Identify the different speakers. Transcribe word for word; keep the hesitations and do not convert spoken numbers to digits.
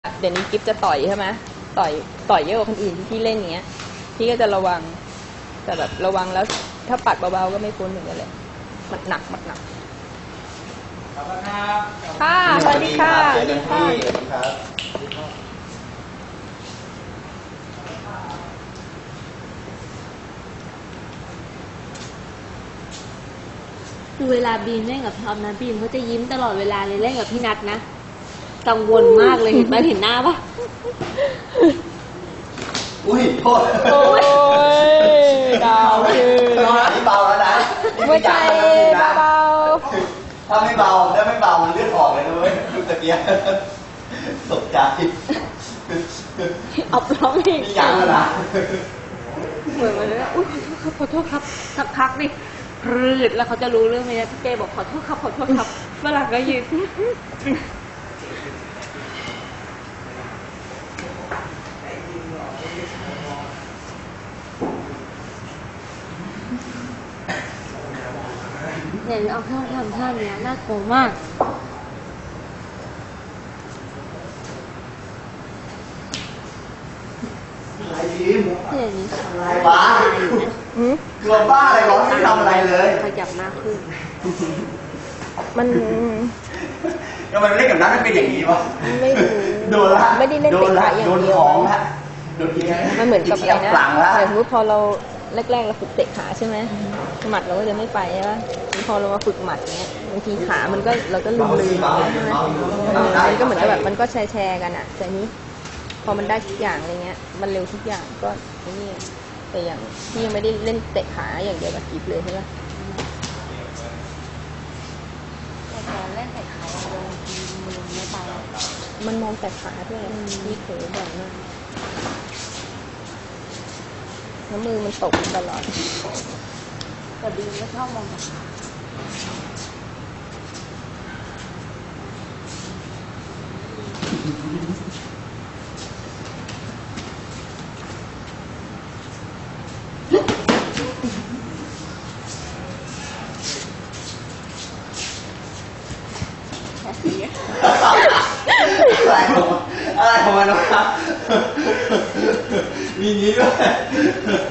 Speaker 1: เดี๋ยวนี้กิฟจะต่อยใช่ไหมต่อยต่อยเยอะกว่าคนอื่นที่พี่เล่นอย่างเงี้ยพี่ก็จะระวังแต่แบบระวังแล้วถ้าปัดเบาๆก็ไม่พ้นเหมือนกันเลยมันหนักมันหนักค่ะสวัสดีค่ะสวัสดีค่ะ
Speaker 2: คือเวลาบีมเล่นกับท็อปนะบีมเขาจะยิ้มตลอดเวลาเลยเล่นกับพี่นัทนะกังวลมากเลยเห็นไหมเห็นหน้าปะ
Speaker 3: อุ้ยโทษ
Speaker 1: โอ้ยดาวคือ
Speaker 3: นี่เบาแล้วนะ
Speaker 1: ไม่ใช่เบา
Speaker 3: ถ้าไม่เบาถ้าไม่เบามันเลือดออกเลยนะเว้ยดูตะเกียบตกใจ
Speaker 1: อับร้องอีก
Speaker 3: นี่ยังแล้วนะ
Speaker 2: เหมือนมันเลยอุ้ยขอโทษครับสักพักนี่รืดแล้วเขาจะรู้เรื่องไหมนะพี่เจบอกขอโทษครับขอโทษครับเวลาก็ยืนเนี่ยเอาเครื่องทำท่านี้น่ากลัวมาก
Speaker 3: อะไรดีม
Speaker 2: เนี่ยนี้ทำอะไร
Speaker 3: บ้าเกือบบ้าอะไรร้องไม่ทำอะไรเลย
Speaker 2: ขยับหน้าขึ้น
Speaker 1: มัน
Speaker 3: ก็มันเล่นกับนัทมันเป็นอย่างนี้วะ
Speaker 1: ไม่รู้
Speaker 3: โดนละ
Speaker 1: ไม่ได้เล่นเตะขาอย่างเดียว
Speaker 3: โดนยิง
Speaker 1: มันเหมือนกับอะไรนะอย่างสมมติพอเราแรกๆเราฝึกเตะขาใช่ไหมหมัดเราก็จะไม่ไปใช่ไหมพอเรามาฝึกหมัดเนี้ยบางทีขามันก็เราก็ลืมลืมใช่ไหมมันก็เหมือนกับแบบมันก็แชร์แชร์กันอ่ะแต่นี้พอมันได้ทุกอย่างอะไรเงี้ยมันเร็วทุกอย่างก็นี่แต่อย่างที่ยังไม่ได้เล่นเตะขาอย่างเดียวกับกิฟเลยใช่ไหม
Speaker 2: แต่ตอนเล่นเตะขาโดนมือไม่ไป
Speaker 1: มันมองแต่ขาด้วยนี่เผลอบ่อยมากแล้วมือมันตกตลอด
Speaker 2: แต่บีมก็ชอบมองแต่ขา
Speaker 3: อะไรของอะไรของมันวะมีงี้ด้วย